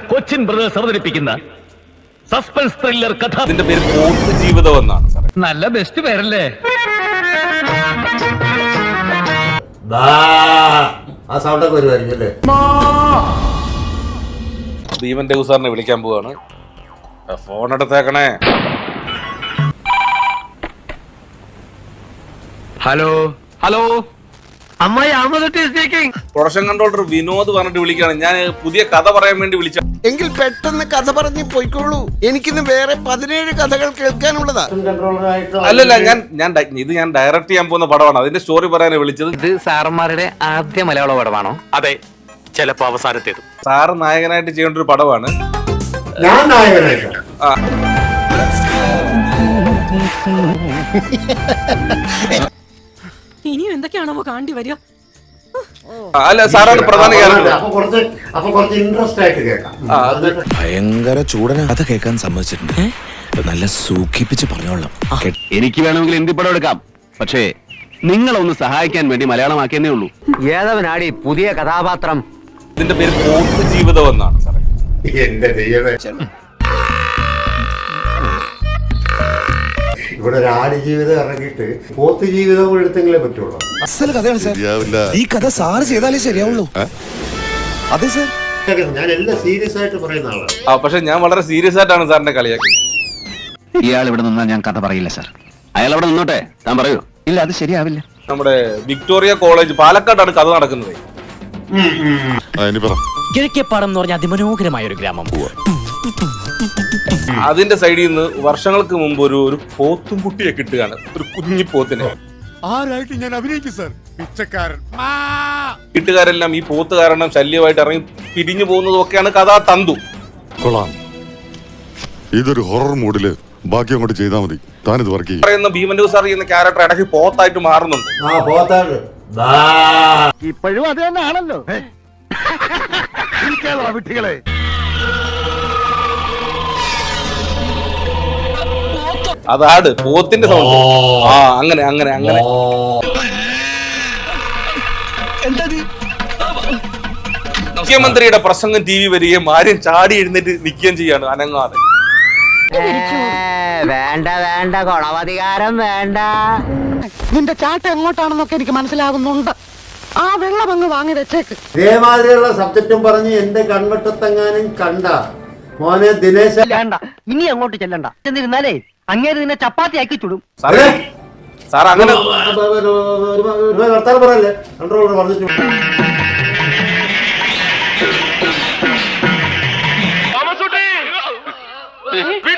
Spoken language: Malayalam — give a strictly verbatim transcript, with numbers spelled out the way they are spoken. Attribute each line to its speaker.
Speaker 1: കൊച്ചിൻ ബ്രദേഴ്സ് അവതരിപ്പിക്കുന്ന സസ്പെൻസ് ത്രില്ലർ കഥ.
Speaker 2: ഇതിന്റെ പേര് പോത്ത് ജീവിതം എന്നാണ് സാറേ.
Speaker 1: നല്ല ബെസ്റ്റ് പേരല്ലേ?
Speaker 3: ആ സൗണ്ടൊക്കെ വരുമായിരിക്കും അല്ലേ?
Speaker 2: ഭീമൻ ദേവ് സാറിനെ വിളിക്കാൻ പോവാണ്. ഫോൺ എടുത്തേക്കണേ.
Speaker 1: ഹലോ ഹലോ, അമ്മായി
Speaker 2: പ്രൊഡക്ഷൻ കൺട്രോളർ വിനോദ് പറഞ്ഞിട്ട് വിളിക്കാണ്. ഞാൻ പുതിയ കഥ പറയാൻ വേണ്ടി വിളിച്ച.
Speaker 4: എങ്കിൽ പെട്ടെന്ന് കഥ പറഞ്ഞ് പോയിക്കോളൂ. എനിക്കിന്ന് വേറെ പതിനേഴ് കഥകൾ കേൾക്കാനുള്ളതാ.
Speaker 2: അല്ലല്ല, ഞാൻ ഞാൻ ഇത് ഞാൻ ഡയറക്റ്റ് ചെയ്യാൻ പോകുന്ന പടമാണ്. അതിന്റെ സ്റ്റോറി പറയാനാണ് വിളിച്ചത്.
Speaker 1: ഇത് സാറന്മാരുടെ ആദ്യ മലയാള പടമാണോ? അതെ, ചിലപ്പോ അവസാനത്തേത്.
Speaker 2: സാറ് നായകനായിട്ട് ചെയ്യേണ്ട ഒരു പടമാണ്.
Speaker 3: ഞാൻ നായകനായിട്ട്
Speaker 5: ഇനിയും എന്തൊക്കെയാണോ കാണ്ടി വരിക?
Speaker 2: അല്ല, സാറാണ് പ്രധാന ക്യാരക്ടർ.
Speaker 3: അപ്പൊ കുറച്ച് അപ്പൊ കുറച്ച് ഇൻട്രസ്റ്റ് ആയിട്ട് കേൾക്കാം.
Speaker 4: ഭയങ്കര ചൂടന കഥ കേൾക്കാൻ സമ്മതിച്ചിട്ടുണ്ട്. നല്ല സൂഖിപ്പിച്ച് പറഞ്ഞോളാം.
Speaker 1: എനിക്ക് വേണമെങ്കിൽ ഹിന്ദി പടം എടുക്കാം, പക്ഷേ നിങ്ങളൊന്ന് സഹായിക്കാൻ വേണ്ടി മലയാളമാക്കിയെന്നേ ഉള്ളൂ.
Speaker 6: ഏതവനാടി പുതിയ കഥാപാത്രം?
Speaker 2: ഇതിന്റെ പേര് പോത്ത് ജീവിതം എന്നാണ് സാറേ.
Speaker 3: എന്റെ ദൈവമേ, ഇവിടെ ഒരു ആട് ജീവിതം ഇറങ്ങിയിട്ട് പോത്ത് ജീവിതം എടുത്തെങ്കിലേ പറ്റുള്ളൂ.
Speaker 4: അസൽ കഥയാണ് സാർ. ഈ കഥ സാറ് ചെയ്താലേ ശരിയാവുള്ളൂ. അതെ സാർ,
Speaker 3: ഞാൻ എല്ലാം സീരിയസ് ആയിട്ട് പറയുന്ന ആളാണ്.
Speaker 2: ആ പക്ഷെ ഞാൻ വളരെ സീരിയസ് ആയിട്ടാണ് സാറിനെ കളിയാക്കുന്നത്.
Speaker 1: ഇയാൾ ഇവിടെ നിന്നാൽ ഞാൻ കഥ പറയില്ല സാർ. അയാൾ അവിടെ നിന്നോട്ടെ, താൻ പറയൂ. ഇല്ല, അത് ശരിയാവില്ല.
Speaker 2: നമ്മുടെ വിക്ടോറിയ കോളേജ് പാലക്കാടാണ് കഥ നടക്കുന്നത്.
Speaker 6: കിഴക്കേപ്പാടം എന്ന് പറഞ്ഞ അതിമനോഹരമായ ഒരു ഗ്രാമം.
Speaker 2: അതിന്റെ സൈഡിൽ നിന്ന് വർഷങ്ങൾക്ക് മുമ്പ് ഒരു ഒരു പോത്തും കുട്ടിയെ കിട്ടുകയാണ്, ഒരു കുഞ്ഞി പോത്തിനെ.
Speaker 4: ആരായിട്ട് ഞാൻ അഭിനയിക്കും സാർ? പിച്ചക്കാരൻ.
Speaker 2: വീട്ടുകാരെല്ലാം ഈ പോത്ത് കാരണം ശല്യമായിട്ട് ഇറങ്ങി പിരിഞ്ഞു പോകുന്നതും ഒക്കെയാണ് കഥാ തന്തു.
Speaker 7: കൊള്ളാം, ഇതൊരു ഹൊറർ മൂഡില് ബാക്കി അങ്ങോട്ട് ചെയ്താൽ മതി. താനിത് വർക്ക് ചെയ്യും.
Speaker 2: പറയുന്ന ഭീമൻ ദേവ് സാർ ചെയ്യുന്ന ക്യാരക്ടർ ഇടയ്ക്ക് പോത്തായിട്ട് മാറുന്നുണ്ട്.
Speaker 3: ആ പോത്താണ്.
Speaker 6: ഇപ്പോഴും അത് തന്നെ ആണല്ലോ.
Speaker 7: വിട്ടികളെ
Speaker 2: അതാണ് പോത്തിന്റെ സൗണ്ട്. ആ അങ്ങനെ അങ്ങനെ അങ്ങനെ മുഖ്യമന്ത്രിയുടെ പ്രസംഗം ടി വി വരികയും ആരും ചാടി എഴുന്നേറ്റ് നിൽക്കുകയും ചെയ്യാണ് അനങ്ങാതെ.
Speaker 6: വേണ്ട വേണ്ട, ഗുണവധികാരം വേണ്ട.
Speaker 5: നിന്റെ ചാട്ട എങ്ങോട്ടാണെന്നൊക്കെ എനിക്ക് മനസ്സിലാകുന്നുണ്ട്. ആ വെള്ളം അങ്ങ് വാങ്ങി വെച്ചേക്ക്.
Speaker 3: ഇതേമാതിരിയുള്ള സബ്ജക്റ്റും പറഞ്ഞ് എന്റെ കൺവട്ടത്തെങ്ങാനും കണ്ട മോനെ ദിനേശ
Speaker 6: വേണ്ട, ഇനി അങ്ങോട്ട് ചെല്ലണ്ട. എന്നിരുന്നാലേ അങ്ങേര് നിന്നെ ചപ്പാത്തി ആക്കി ചുടും.
Speaker 2: സാറേ സാർ അങ്ങനെ
Speaker 3: വർത്താനം പറയല്ലേ, കൺട്രോളർ പറഞ്ഞിട്ട്.
Speaker 1: പി